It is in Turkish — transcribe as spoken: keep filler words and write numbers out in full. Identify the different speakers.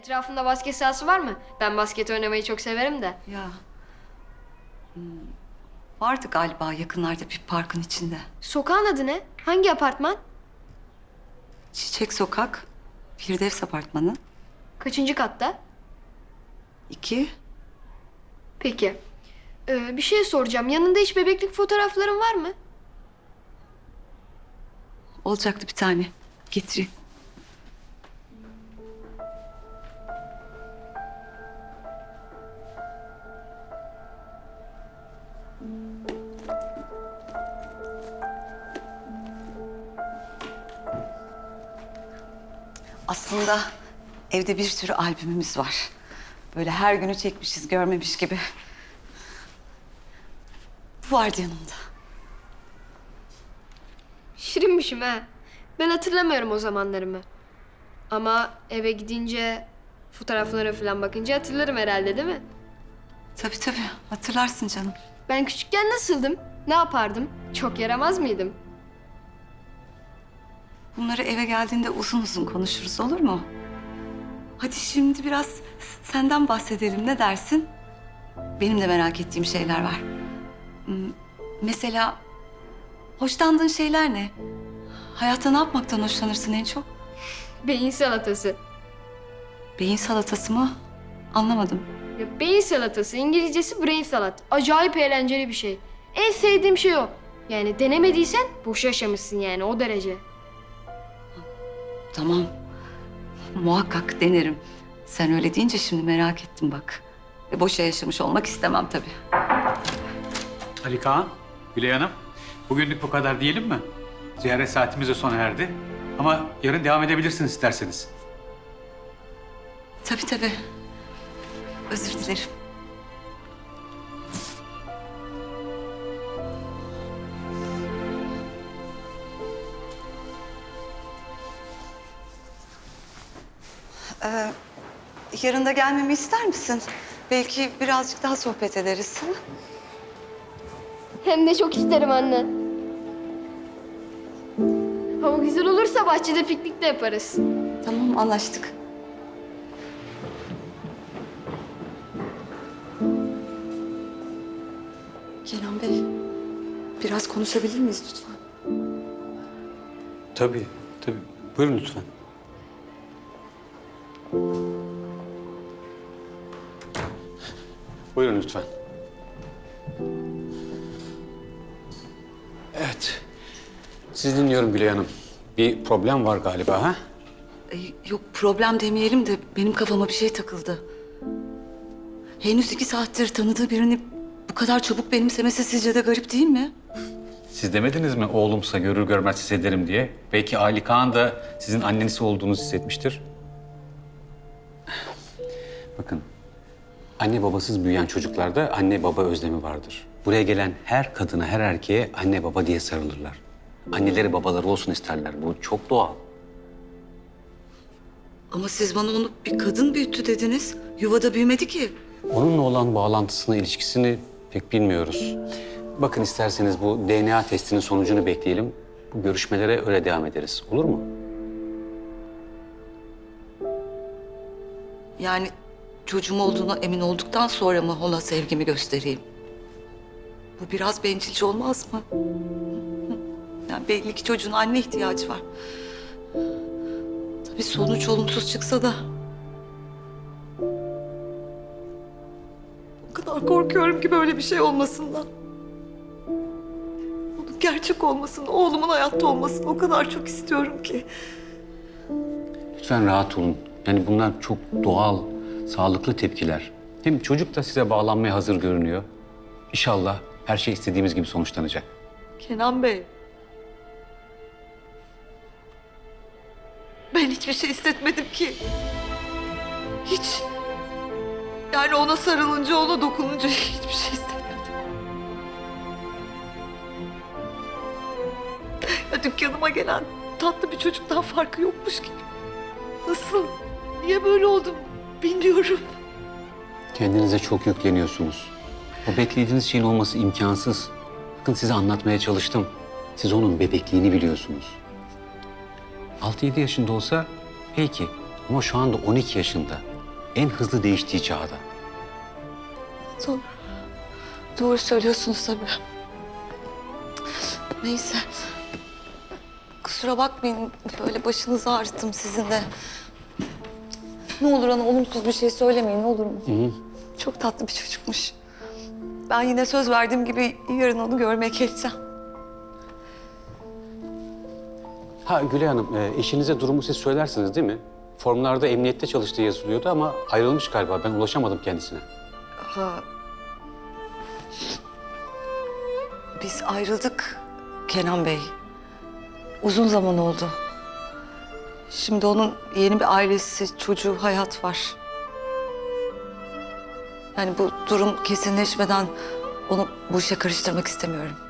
Speaker 1: Etrafında basket sahası var mı? Ben basket oynamayı çok severim de.
Speaker 2: Ya. Hmm, vardı galiba yakınlarda bir parkın içinde.
Speaker 1: Sokağın adı ne? Hangi apartman?
Speaker 2: Çiçek Sokak, Firdevs Apartmanı.
Speaker 1: Kaçıncı katta?
Speaker 2: İki.
Speaker 1: Peki. Ee, bir şey soracağım. Yanında hiç bebeklik fotoğrafların var mı?
Speaker 2: Olacaktı bir tane. Getireyim. Aslında evde bir sürü albümümüz var. Böyle her günü çekmişiz, görmemiş gibi. Bu vardı yanımda.
Speaker 1: Şirinmişim ha. Ben hatırlamıyorum o zamanlarımı. Ama eve gidince fotoğraflara falan bakınca hatırlarım herhalde, değil mi?
Speaker 2: Tabii tabii, hatırlarsın canım.
Speaker 1: Ben küçükken nasıldım? Ne yapardım? Çok yaramaz mıydım?
Speaker 2: Bunları eve geldiğinde uzun uzun konuşuruz, olur mu? Hadi şimdi biraz senden bahsedelim, ne dersin? Benim de merak ettiğim şeyler var. Hmm, Mesela hoşlandığın şeyler ne? Hayatta ne yapmaktan hoşlanırsın en çok?
Speaker 1: Beyin salatası.
Speaker 2: Beyin salatası mı? Anlamadım.
Speaker 1: Ya beyin salatası, İngilizcesi brain salat. Acayip eğlenceli bir şey. En sevdiğim şey o. Yani denemediysen boş yaşamışsın yani, o derece.
Speaker 2: Tamam. Muhakkak denerim. Sen öyle deyince şimdi merak ettim bak. E, boşa yaşamış olmak istemem tabii.
Speaker 3: Ali Kaan, Gülay Hanım. Bugünlük bu kadar diyelim mi? Ziyaret saatimiz de sona erdi. Ama yarın devam edebilirsiniz isterseniz.
Speaker 2: Tabii tabii. Özür dilerim. Ee, yarın da gelmemi ister misin? Belki birazcık daha sohbet ederiz. Ha?
Speaker 1: Hem de çok isterim anne. Hava güzel olursa bahçede piknik de yaparız.
Speaker 2: Tamam, anlaştık. Kenan Bey, biraz konuşabilir miyiz lütfen?
Speaker 3: Tabii, tabii. Buyurun lütfen. Buyurun lütfen. Evet. Siz dinliyorum Gülay Hanım. Bir problem var galiba ha?
Speaker 2: Ee, yok, problem demeyelim de benim kafama bir şey takıldı. Henüz iki saattir tanıdığı birini bu kadar çabuk benimsemesi sizce de garip değil mi?
Speaker 3: Siz demediniz mi oğlumsa görür görmez hissederim diye? Belki Ali Kaan da sizin anneniz olduğunuzu hissetmiştir. Bakın, anne babasız büyüyen çocuklarda anne baba özlemi vardır. Buraya gelen her kadına, her erkeğe anne baba diye sarılırlar. Anneleri babaları olsun isterler. Bu çok doğal.
Speaker 2: Ama siz bana onu bir kadın büyüttü dediniz. Yuvada büyümedi ki.
Speaker 3: Onunla olan bağlantısını, ilişkisini pek bilmiyoruz. Bakın isterseniz bu D N A testinin sonucunu bekleyelim. Bu görüşmelere öyle devam ederiz. Olur mu?
Speaker 2: Yani çocuğum olduğuna emin olduktan sonra mı ona sevgimi göstereyim? Bu biraz bencilce olmaz mı? Yani belli ki çocuğun anne ihtiyacı var. Tabii sonuç olumsuz çıksa da. O kadar korkuyorum ki böyle bir şey olmasından. Bunun gerçek olmasını, oğlumun hayatta olmasını o kadar çok istiyorum ki.
Speaker 3: Lütfen rahat olun. Yani bunlar çok doğal, sağlıklı tepkiler. Hem çocuk da size bağlanmaya hazır görünüyor. İnşallah her şey istediğimiz gibi sonuçlanacak.
Speaker 2: Kenan Bey. Ben hiçbir şey hissetmedim ki. Hiç. Yani ona sarılınca, ona dokununca hiçbir şey hissetmedim. Ya dükkanıma gelen tatlı bir çocuktan farkı yokmuş gibi. Nasıl? Niye böyle oldum bilmiyorum.
Speaker 3: Kendinize çok yükleniyorsunuz. O beklediğiniz şeyin olması imkansız. Bakın size anlatmaya çalıştım. Siz onun bebekliğini biliyorsunuz. altı yedi yaşında olsa peki ama şu anda on iki yaşında. En hızlı değiştiği çağda.
Speaker 2: Doğru. Doğru söylüyorsunuz tabii. Neyse. Kusura bakmayın, böyle başınızı ağrıttım sizin de. Ne olur ona olumsuz bir şey söylemeyin, ne olur mu?
Speaker 3: Hı hı.
Speaker 2: Çok tatlı bir çocukmuş. Ben yine söz verdiğim gibi yarın onu görmeye geleceğim.
Speaker 3: Ha Gülay Hanım, e, eşinize durumu siz söylersiniz değil mi? Formlarda emniyette çalıştığı yazılıyordu ama ayrılmış galiba. Ben ulaşamadım kendisine.
Speaker 2: Ha. Biz ayrıldık Kenan Bey. Uzun zaman oldu. Şimdi onun yeni bir ailesi, çocuğu, hayat var. Yani bu durum kesinleşmeden onu bu işe karıştırmak istemiyorum.